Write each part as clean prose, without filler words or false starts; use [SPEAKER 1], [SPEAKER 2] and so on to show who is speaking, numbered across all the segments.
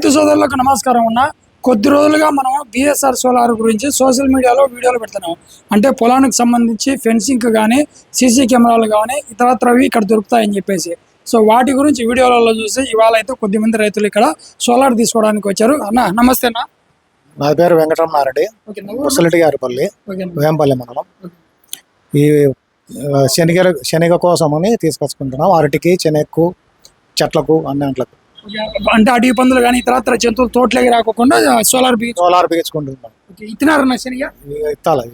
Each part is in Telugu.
[SPEAKER 1] రైతు సోదరులకు నమస్కారం అన్న. కొద్ది రోజులుగా మనం బిఎస్ఆర్ సోలార్ గురించి సోషల్ మీడియాలో వీడియోలు పెడుతున్నాం. అంటే పొలానికి సంబంధించి ఫెన్సింగ్ కానీ సీసీ కెమెరాలు కానీ ఇతరత్రవి ఇక్కడ దొరుకుతాయని చెప్పేసి. సో వాటి గురించి వీడియోలలో చూసి ఇవాళ అయితే కొద్దిమంది రైతులు ఇక్కడ సోలార్ తీసుకోవడానికి వచ్చారు. అన్న నమస్తే అన్న.
[SPEAKER 2] నా పేరు వెంకటరమణారెడ్డి, ముసలిటి గారిపల్లి, వేంపల్లి మండలం. ఈ శనగ కోసమని తీసుకొచ్చుకుంటున్నాం. అరటికి, శనగకు, చెట్లకు, అన్నింట్లకు.
[SPEAKER 1] అంటే అడవి పందులు కానీ ఇతరత్ర జంతువులు తోటలోకి రాకుండా సోలార్
[SPEAKER 2] బిగించుకుంటున్నాం.
[SPEAKER 1] ఇచ్చినారన్న శనగ
[SPEAKER 2] ఇత్తాలి.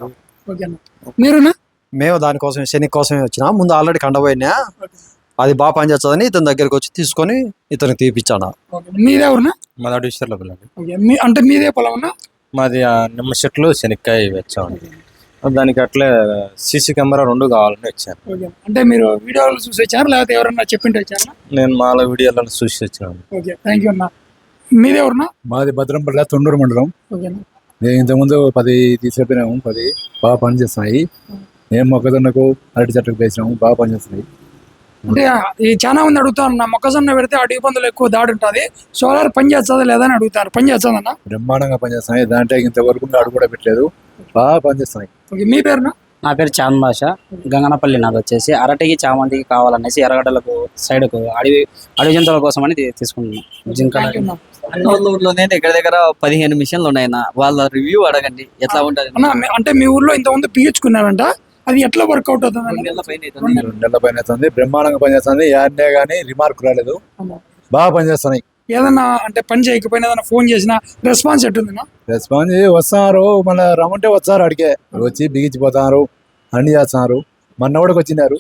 [SPEAKER 1] మీరునా?
[SPEAKER 3] మేము దానికోసం శనగ కోసమే వచ్చినా. ముందు ఆల్రెడీ కండపోయినా, అది బాగా పనిచేస్తుందని ఇతని దగ్గరికి వచ్చి తీసుకొని ఇతనికి తీపిచ్చాను.
[SPEAKER 1] మీరెవరునా?
[SPEAKER 4] మాది అడివిషర్లో పిల్లలు.
[SPEAKER 1] అంటే మీదే పొలం ఉన్నా?
[SPEAKER 4] మాది నిమ్మ చెట్లు శనక్కాయ వచ్చామండి. దానికి అట్లే సీసీ కెమెరా 2 కావాలని వచ్చాను.
[SPEAKER 1] అంటే మీరు వీడియోలు చూసి వచ్చారు లేకపోతే ఎవరన్నా చెప్పింటే వచ్చారా?
[SPEAKER 4] నేను మాలో వీడియోలను చూసి వచ్చాను.
[SPEAKER 1] ఓకే, థ్యాంక్ యూ అన్న. మీరెవరునా?
[SPEAKER 5] మాది భద్రంపల్లి, తొండూరు మండలం. నేను ఇంతకుముందు 10 తీసుకెళ్ళినాము. 10 బాగా పనిచేస్తున్నాయి. మేము మొక్కజొన్నకు, అరటి చెట్లకు వేసినాము, బాగా పనిచేస్తున్నాయి.
[SPEAKER 1] అంటే ఈ చాలా మంది అడుగుతాను, నా మొక్కజొన్న పెడితే అడవి పందులు ఎక్కువ దాడి ఉంటుంది, సోలార్ పని చేస్తుందా లేదా అని అడుగుతారు. పని చేస్తుందన్న?
[SPEAKER 5] బ్రహ్మాండంగా పనిచేస్తున్నాయి. దాంట్లో ఇంతవరకు అడుగు కూడా పెట్టలేదు, బాగా పనిచేస్తున్నాయి.
[SPEAKER 1] మీ పేరునా?
[SPEAKER 6] నా పేరు చాంద్ భాష, గంగనపల్లి. నాది వచ్చేసి అరటికి, చామంతికి కావాలనేసి ఎర్రగడ్డలకు సైడ్కు అడవి జంతువుల కోసం అని తీసుకుంటున్నాం. జింక
[SPEAKER 7] ఊర్లోనే దగ్గర దగ్గర 15 మిషన్లు ఉన్నాయన్న. వాళ్ళ రివ్యూ అడగండి ఎట్లా ఉంటది.
[SPEAKER 1] అంటే మీ ఊర్లో ఇంతకుముందు పీల్చుకున్నారంట, అది ఎట్లా వర్కౌట్ అవుతుంది?
[SPEAKER 5] 2 నెలల పైన అవుతుంది. బ్రహ్మాండంగా పనిచేస్తుంది. యాడ్నే కానీ రిమార్క్ రాలేదు, బాగా పనిచేస్తున్నాయి.
[SPEAKER 1] ఏదన్నా అంటే పని చేయకపోయినా ఏదైనా ఫోన్ చేసినా రెస్పాన్స్ ఎట్టుందినా?
[SPEAKER 5] రెస్పాన్స్ వస్తున్నారు, మళ్ళీ రమ్మంటే వస్తారు, అడిగే వచ్చి బిగించిపోతున్నారు, అన్ని చేస్తున్నారు. మనోడికి వచ్చినారు,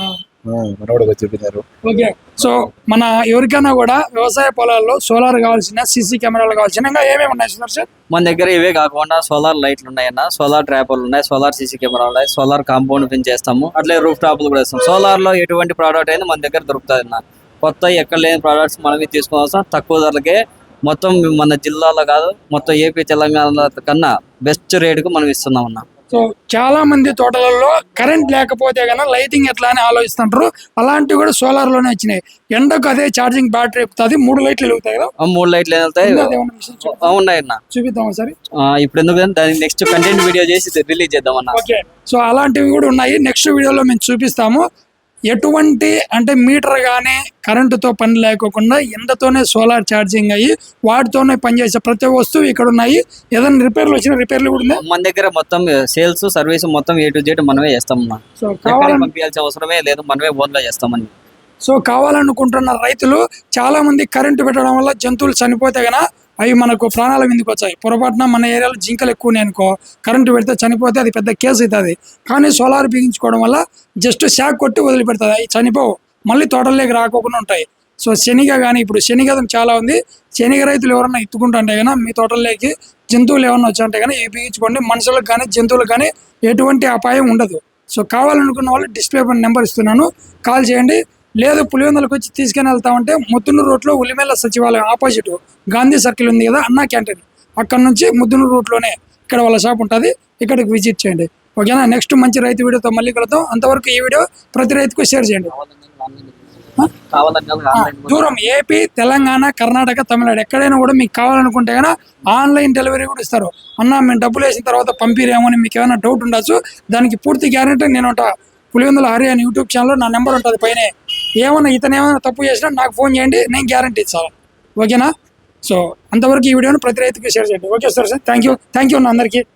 [SPEAKER 5] మనోడికి వచ్చి చెప్పినారు.
[SPEAKER 1] ఓకే, సో మన ఎవరికైనా కూడా వ్యవసాయ పొలాల్లో సోలార్ కావాల్సిన, సీసీ కెమెరాలు కావాల్సిన ఇంకా ఏమేమి ఉన్నాయి సార్?
[SPEAKER 7] మన దగ్గర ఇవే కాకుండా సోలార్ లైట్లు ఉన్నాయన్న, సోలార్ ట్రాపర్లు ఉన్నాయి, సోలార్ సీసీ కెమెరాలు ఉన్నాయి, సోలార్ కాంపౌండ్ పిన్ చేస్తాము, అట్లే రూఫ్ టాప్లు కూడా ఇస్తాం. సోలార్ లో ఎటువంటి ప్రోడక్ట్ అయినా మన దగ్గర దొరుకుతుంది అన్న. కొత్త ఎక్కడ లేని ప్రోడక్ట్స్ మనమే తీసుకోవాల్సిన తక్కువ ధరలకే, మొత్తం మన జిల్లాలో కాదు మొత్తం ఏపీ తెలంగాణ కన్నా బెస్ట్ రేటుకు మనం ఇస్తున్నాం అన్న.
[SPEAKER 1] సో చాలా మంది తోటలలో కరెంట్ లేకపోతే కన్నా లైటింగ్ ఎట్లా అని ఆలోచిస్తుంటారు. అలాంటివి కూడా సోలార్ లోనే వచ్చినాయి. ఎండకు అదే ఛార్జింగ్ బ్యాటరీ ఎక్కుతుంది, 3 లైట్లు వెలుగుతాయి కదా?
[SPEAKER 7] 3 లైట్లు వెళ్తాయి. ఉన్నాయన్న,
[SPEAKER 1] చూపిద్దాం సరే.
[SPEAKER 7] ఇప్పుడు ఎందుకు దానికి నెక్స్ట్ కంటెంట్ వీడియో చేసి రిలీజ్ చేద్దాం అన్న.
[SPEAKER 1] ఓకే, సో అలాంటివి కూడా ఉన్నాయి. నెక్స్ట్ వీడియోలో మేము చూపిస్తాము. ఎటువంటి అంటే మీటర్ కానీ కరెంటుతో పని లేకోకుండా ఎండతోనే సోలార్ ఛార్జింగ్ అయ్యి వాటితోనే పనిచేసే ప్రతి వస్తువు ఇక్కడ ఉన్నాయి. ఏదైనా రిపేర్లు వచ్చిన రిపేర్లు కూడా ఉన్నాయి
[SPEAKER 7] మన దగ్గర. మొత్తం సేల్స్ సర్వీస్ మొత్తం A to Z మనమే చేస్తాం.
[SPEAKER 1] సో
[SPEAKER 7] పంపించాల్సిన అవసరమే లేదు, మనమే ఓన్గా చేస్తామని.
[SPEAKER 1] సో కావాలనుకుంటున్న రైతులు చాలా మంది కరెంటు పెట్టడం వల్ల జంతువులు చనిపోతే గన అవి మనకు ప్రాణాల మీదకి వచ్చాయి. పొరపాటున మన ఏరియాలో జింకలు ఎక్కువనే అనుకో, కరెంటు పెడితే చనిపోతే అది పెద్ద కేసు అవుతుంది. కానీ సోలార్ బిగించుకోవడం వల్ల జస్ట్ షాక్ కొట్టి వదిలిపెడుతుంది, అవి చనిపోవు, మళ్ళీ తోటల్లోకి రాకోకుండా ఉంటాయి. సో శనగ కానీ ఇప్పుడు శనగ చాలా ఉంది. శనగ రైతులు ఎవరన్నా ఎత్తుకుంటుంటే కన్నా మీ తోటల్లోకి జంతువులు ఏమన్నా వచ్చాయంటే కానీ ఇవి బిగించుకోండి. మనుషులకు కానీ జంతువులకు కానీ ఎటువంటి అపాయం ఉండదు. సో కావాలనుకున్న వాళ్ళు డిస్ప్లే పైన నెంబర్ ఇస్తున్నాను, కాల్ చేయండి. లేదు పులివెందులకు వచ్చి తీసుకుని వెళ్తామంటే ముద్దునూరు రూట్లో ఉలిమేల సచివాలయం ఆపోజిట్ గాంధీ సర్కిల్ ఉంది కదా, అన్నా క్యాంటీన్, అక్కడ నుంచి ముద్దునూరు రూట్లోనే ఇక్కడ వాళ్ళ షాప్ ఉంటుంది. ఇక్కడికి విజిట్ చేయండి. ఓకేనా? నెక్స్ట్ మంచి రైతు వీడియోతో మళ్ళీ కలుద్దాం. అంతవరకు ఈ వీడియో ప్రతి రైతుకు షేర్ చేయండి. దూరం ఏపీ, తెలంగాణ, కర్ణాటక, తమిళనాడు ఎక్కడైనా కూడా మీకు కావాలనుకుంటే కన్నా ఆన్లైన్ డెలివరీ కూడా ఇస్తారు. అన్న మేము డబ్బులు వేసిన తర్వాత పంపిరేమో అని మీకు ఏమైనా డౌట్ ఉండొచ్చు. దానికి పూర్తి గ్యారెంటీ నేను పులివెందుల హరి అని యూట్యూబ్ ఛానల్లో నా నెంబర్ ఉంటుంది పైన. ఏమైనా ఇతను ఏమైనా తప్పు చేసినా నాకు ఫోన్ చేయండి, నేను గ్యారంటీ ఇస్తాను. ఓకేనా? సో అంతవరకు ఈ వీడియోని ప్రతి రైతుకి షేర్ చేయండి. ఓకే సార్, థ్యాంక్ యూ అన్న అందరికీ.